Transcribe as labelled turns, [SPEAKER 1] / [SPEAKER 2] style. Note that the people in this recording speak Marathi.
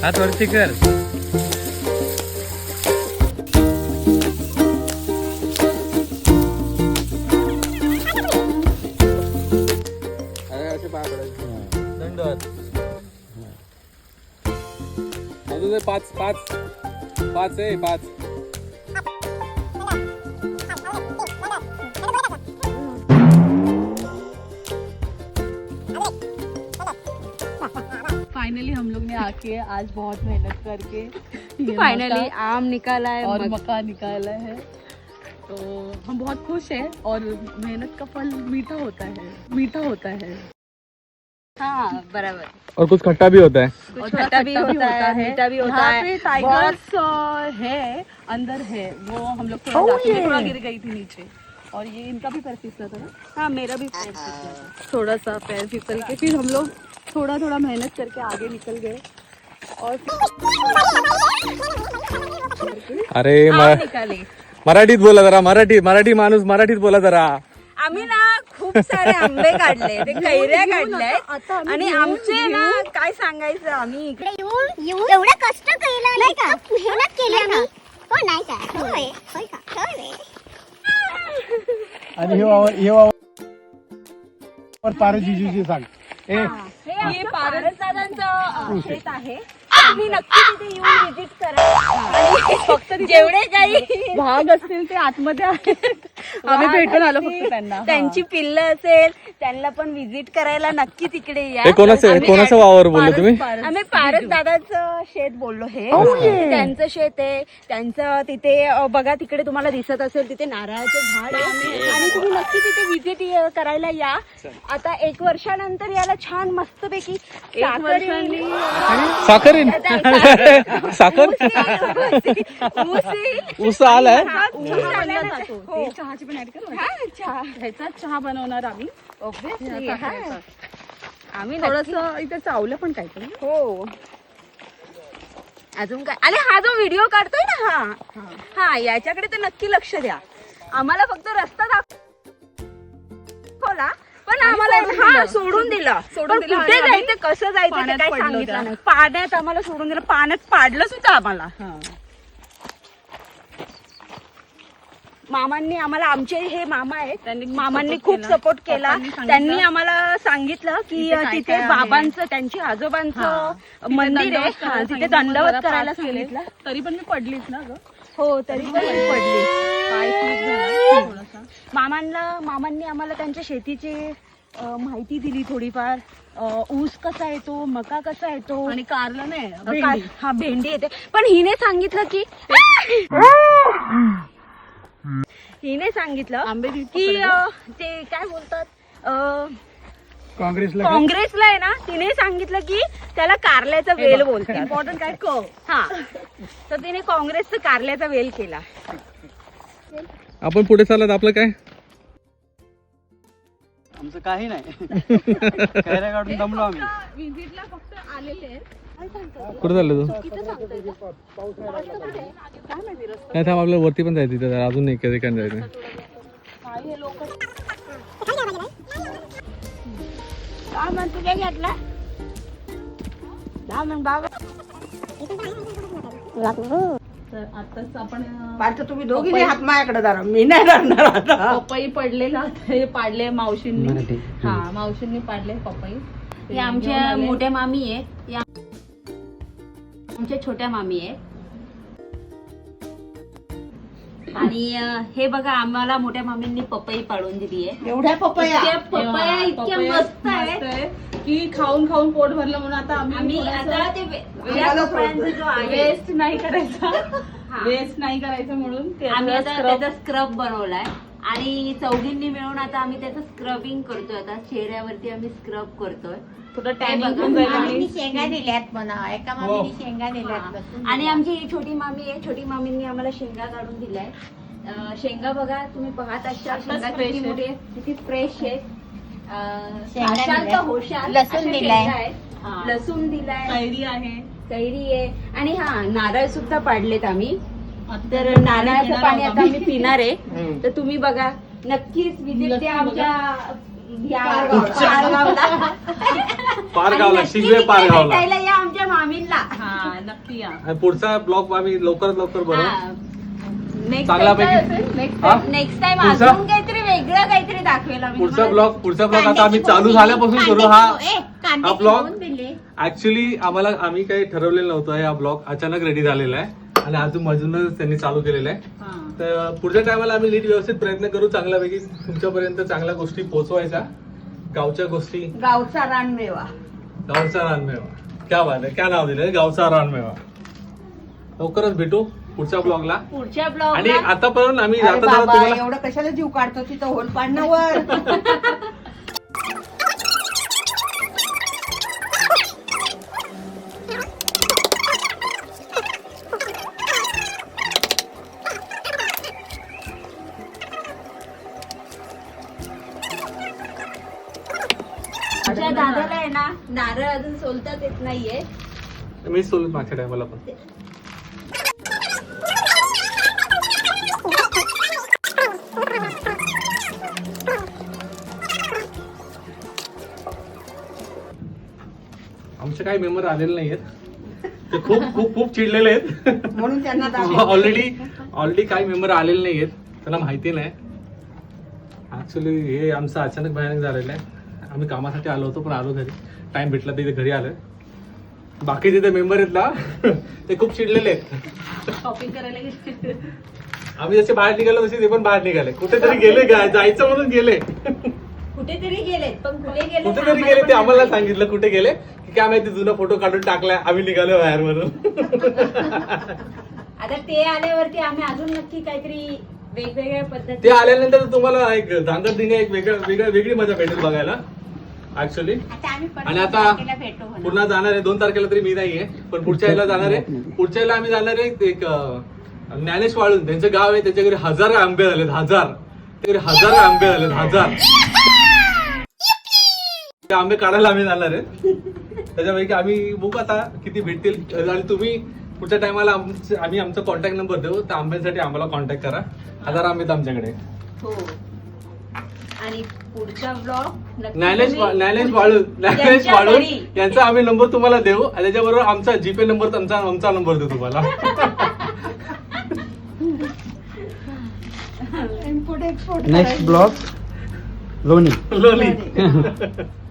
[SPEAKER 1] हात वरती कर.
[SPEAKER 2] अजून पाच पाच पाच आहे पाच.
[SPEAKER 3] फाइनली हम लोग ने आके आज बहुत मेहनत करके
[SPEAKER 4] फाइनली आम निकाला है
[SPEAKER 3] और मक्का निकाला है, तो हम बहुत खुश हैं और मेहनत का फल मीठा होता है, मीठा होता है.
[SPEAKER 4] हाँ बराबर.
[SPEAKER 2] और कुछ खट्टा भी होता है.
[SPEAKER 4] कुछ खट्टा भी होता है, मीठा भी होता है.
[SPEAKER 3] पे टाइगर्स है, अंदर है, वो हम लोग थोड़ा गिर गई थी नीचे, और ये इनका भी पैर फिसला था ना.
[SPEAKER 4] हाँ मेरा भी पैर फिसला था.
[SPEAKER 3] थोड़ा सा पैर फिसल के फिर हम लोग थोड़ा थोड़ा मेहनत करके आगे निकल गए और
[SPEAKER 2] अरे
[SPEAKER 4] निकाले.
[SPEAKER 2] मराठीत बोला जरा. मराठी माणूस मराठीत बोला जरा.
[SPEAKER 4] आम्ही ना खूप सारे आंबे काढले, ते कैऱ्या काढल्यात आणि आमचे ना काय सांगायचं, आम्ही
[SPEAKER 5] इकडे येऊन एवढं कष्ट केलं नाही का, मेहनत केली आम्ही. हो नाही का, होय होय का, होय.
[SPEAKER 6] आणि हे पारे जिजूजी सांग.
[SPEAKER 4] हे पारसदादांचं शेत आहे. तुम्ही नक्की तिथे येऊन विजिट करा. आणि फक्त जेवढे काही
[SPEAKER 3] भाग असतील ते आतमध्ये आहेत. आम्ही भेटून आलो फक्त त्यांना.
[SPEAKER 4] त्यांची पिल्लं असेल त्यांना पण विजिट करायला नक्की तिकडे या.
[SPEAKER 2] हे कोणाचं वावर बोललो तुम्ही?
[SPEAKER 4] आम्ही पारस दादाचं शेत बोललो. हे त्यांचं शेत आहे. त्यांचं तिथे बघा तिकडे तुम्हाला दिसत असेल तिथे नारळाचं झाड आहे आणि तुम्ही नक्की तिथे विजिट करायला या. आता 1 वर्षानंतर याला छान मस्तपैकी
[SPEAKER 2] साखर साखर ऊस आलाय.
[SPEAKER 3] चहाची पण ऍड करू. ह्याचा चहा बनवणार आम्ही.
[SPEAKER 4] आम्ही
[SPEAKER 3] थोडस इथे चावलं पण काहीतरी.
[SPEAKER 4] हो अजून काय. आणि हा जो व्हिडिओ काढतोय ना हा याच्याकडे तर नक्की लक्ष द्या. आम्हाला फक्त रस्ता दाखवला पण आम्हाला सोडून दिलं. कुठे जायचं कसं जायचं ते काय सांगितलं नाही. पाण्यात आम्हाला सोडून दिलं. पाण्यात पाडलं सुद्धा आम्हाला. मामांनी आम्हाला, आमचे हे मामा आहेत, मामांनी खूप सपोर्ट केला. त्यांनी आम्हाला सांगितलं की तिथे बाबांचं, त्यांची आजोबांचं मंदिर आहे, तिथे दंडवत करायला सांगितलं.
[SPEAKER 3] तरी पण मी पडलीच ना ग.
[SPEAKER 4] हो तरी पण पडली.
[SPEAKER 3] पाय स्लिप झाला थोडासा.
[SPEAKER 4] मामांनी आम्हाला त्यांच्या शेतीची माहिती दिली थोडीफार. ऊस कसा येतो, मका कसा येतो,
[SPEAKER 3] आणि कारलं नाही,
[SPEAKER 4] हा भेंडी येते. पण हिने सांगितलं की की ते काय बोलतात काँग्रेसला आहे ना, तिने सांगितलं की त्याला कारल्याचा वेल बोलतात.
[SPEAKER 3] इम्पॉर्टंट काय
[SPEAKER 4] हा तर तिने काँग्रेसचा कारल्याचा वेल केला.
[SPEAKER 2] आपण पुढे चालत आपलं काय?
[SPEAKER 6] आमचं काही नाही. कैऱ्या काढून दमलो आम्ही.
[SPEAKER 3] विजिटला फक्त आलेले.
[SPEAKER 2] कुठे चाललो तू? नाही थांब, आपल्याला वरती पण जायचं तिथे अजून एक ठिकाणी जायचं.
[SPEAKER 4] तुझ्या घेतला
[SPEAKER 3] तर आताच आपण
[SPEAKER 4] तुम्ही दोघी हात माझ्याकडे धरा, मी नाही धरणार आता.
[SPEAKER 3] पपई पडलेला हे पाडले मावशींनी. हा मावशींनी पाडले पपई.
[SPEAKER 4] हे आमच्या मोठ्या मामी आहेत, या आमच्या छोट्या मामी आहेत. आणि हे बघा आम्हाला मोठ्या मामींनी पपई पाडून दिली आहे.
[SPEAKER 6] एवढ्या पपया
[SPEAKER 4] इतक्या मस्त आहे
[SPEAKER 3] की खाऊन खाऊन पोट भरलं म्हणून आता
[SPEAKER 4] आम्ही आता ते पपयांचा जो आहे
[SPEAKER 3] वेस्ट नाही करायचा. वेस्ट नाही करायचं म्हणून
[SPEAKER 4] आम्ही आता त्याचा स्क्रब बनवलाय. आणि चौघींनी मिळून आता आम्ही त्याचं स्क्रबिंग करतोय. आता चेहऱ्यावरती आम्ही स्क्रब करतोय. थोडं टाइम
[SPEAKER 5] शेंगा दिल्यात म्हणा, एका मामीने शेंगा दिल्यात.
[SPEAKER 4] आणि आमची ही छोटी मामी आहे, छोटी मामींनी आम्हाला शेंगा काढून दिलाय. शेंगा बघा तुम्ही पाहत असाल, शेंगा किती मोठी आहे, किती फ्रेश आहे.
[SPEAKER 5] लसूण दिलाय,
[SPEAKER 4] लसूण दिलाय,
[SPEAKER 3] कैरी आहे,
[SPEAKER 4] कैरी आहे. आणि हा नारळ सुद्धा पाडलेत आम्ही. तर नारळाचं पाणी आता आम्ही पिणार आहे. तर तुम्ही बघा नक्कीच विजिट द्या आमच्या पारगावला.
[SPEAKER 2] पारगावला शिगवे पारगावला
[SPEAKER 4] भेटायला या आमच्या मामींना.
[SPEAKER 3] हा नक्की या.
[SPEAKER 2] आणि पुढचा ब्लॉग आम्ही लवकरात लवकर बनवू.
[SPEAKER 4] नेक्स्ट
[SPEAKER 2] चांगल्यापैकी. हा?
[SPEAKER 4] नेक्स्ट टाइम
[SPEAKER 2] पुढचा?
[SPEAKER 4] अजून काहीतरी वेगळं काहीतरी दाखवेल आम्ही
[SPEAKER 2] पुढचा
[SPEAKER 4] तुम्हाला.
[SPEAKER 2] ब्लॉग आता आम्ही चालू झाल्यापासून करू हा
[SPEAKER 4] कांद्याची
[SPEAKER 2] ब्लॉग.
[SPEAKER 4] दोन दिले.
[SPEAKER 2] ऍक्च्युली आम्ही काही ठरवलेलं नव्हतं. हा ब्लॉग अचानक रेडी झालेला आहे आणि अजूनच त्यांनी चालू केलेला आहे. तर पुढच्या टायमाला आम्ही नीट व्यवस्थित प्रयत्न करू चांगल्यापैकी तुमच्यापर्यंत चांगल्या गोष्टी पोहोचवायच्या. गावच्या गोष्टी.
[SPEAKER 4] गावचा रानमेवा.
[SPEAKER 2] गावचा रानमेवा. क्या बात आहे. क्या नाव दिलंय गावचा रानमेवा. लवकरच भेटू पुढच्या ब्लॉगला.
[SPEAKER 4] पुढच्या
[SPEAKER 2] आणि
[SPEAKER 4] ब्लॉग
[SPEAKER 2] आतापर्यंत आम्ही
[SPEAKER 1] अरे
[SPEAKER 2] जाता जाता
[SPEAKER 1] बाबा,
[SPEAKER 2] तुम्हाला
[SPEAKER 1] एवढं कशाला जीव काढतो तिथं होल पाडण्यावर.
[SPEAKER 4] आमच्या दादाला आहे ना नारळ अजून सोलताच येत नाहीये.
[SPEAKER 2] मी सोलत मागच्या टायमाला पण. आमचे काही मेंबर आलेले नाहीयेत. ते खूप खूप खूप चिडलेले आहेत.
[SPEAKER 1] म्हणून त्यांना दाखव.
[SPEAKER 2] ऑलरेडी काही मेंबर आलेले नाहीयेत. त्याला माहिती नाही. ऍक्च्युली हे आमचं अचानक भयानक झालेलं आहे. आम्ही कामासाठी आलो होतो पण आलो घरी. टाइम भेटला तर इथे घरी आलोय. बाकीचे ते मेंबर आहेत ना ते खूप चिडलेले आहेत.
[SPEAKER 3] शॉपिंग करायला गेले.
[SPEAKER 2] आम्ही जसे बाहेर निघालो तसे ते पण बाहेर निघाले. कुठेतरी गेले जायचं म्हणून गेले.
[SPEAKER 4] कुठेतरी गेलेत पण कुठे
[SPEAKER 2] कुठेतरी गेले ते आम्हाला सांगितलं कुठे गेले की काय माहिती जुना फोटो काढून टाकलाय आम्ही निघालो बाहेर म्हणून.
[SPEAKER 4] आता ते आल्यावरती आम्ही अजून नक्की काहीतरी वेगवेगळ्या
[SPEAKER 2] ते
[SPEAKER 4] पद्धती.
[SPEAKER 2] आल्यानंतर तुम्हाला एक धांगड एक वेगळी मजा भेटेल बघायला ऍक्च्युली.
[SPEAKER 4] आता आम्ही
[SPEAKER 2] आणि आता
[SPEAKER 4] भेटू म्हणा.
[SPEAKER 2] पुन्हा जाणार आहे 2 तारखेला तरी मी नाहीये पण पुढच्या याला जाणार आहे. पुढच्या याला आम्ही जाणार आहे एक ज्ञानेश वाळून त्यांचं गाव आहे. त्याच्या घरी 1000 आंबे झालेत. 1000 आंबे झालेत. 1000 ते आंबे काढायला आम्ही जाणार आहे. त्याच्यापैकी आम्ही बघू आता किती भेटतील. आणि तुम्ही पुढच्या टायमाला आम्ही आमचा कॉन्टॅक्ट नंबर देऊ. त्या आंब्यांसाठी आम्हाला कॉन्टॅक्ट करा. 1000 आंबे आहेत आमच्याकडे.
[SPEAKER 4] हो. आणि पुढचा ब्लॉग
[SPEAKER 2] ज्ञानेश वाळून यांचा आम्ही नंबर तुम्हाला देऊ. आणि त्याच्याबरोबर आमचा जीपे नंबर आमचा नंबर देऊ तुम्हाला.
[SPEAKER 1] इम्पोर्ट एक्सपोर्ट
[SPEAKER 6] नेक्स्ट ब्लॉग लोणी.
[SPEAKER 2] लोणी.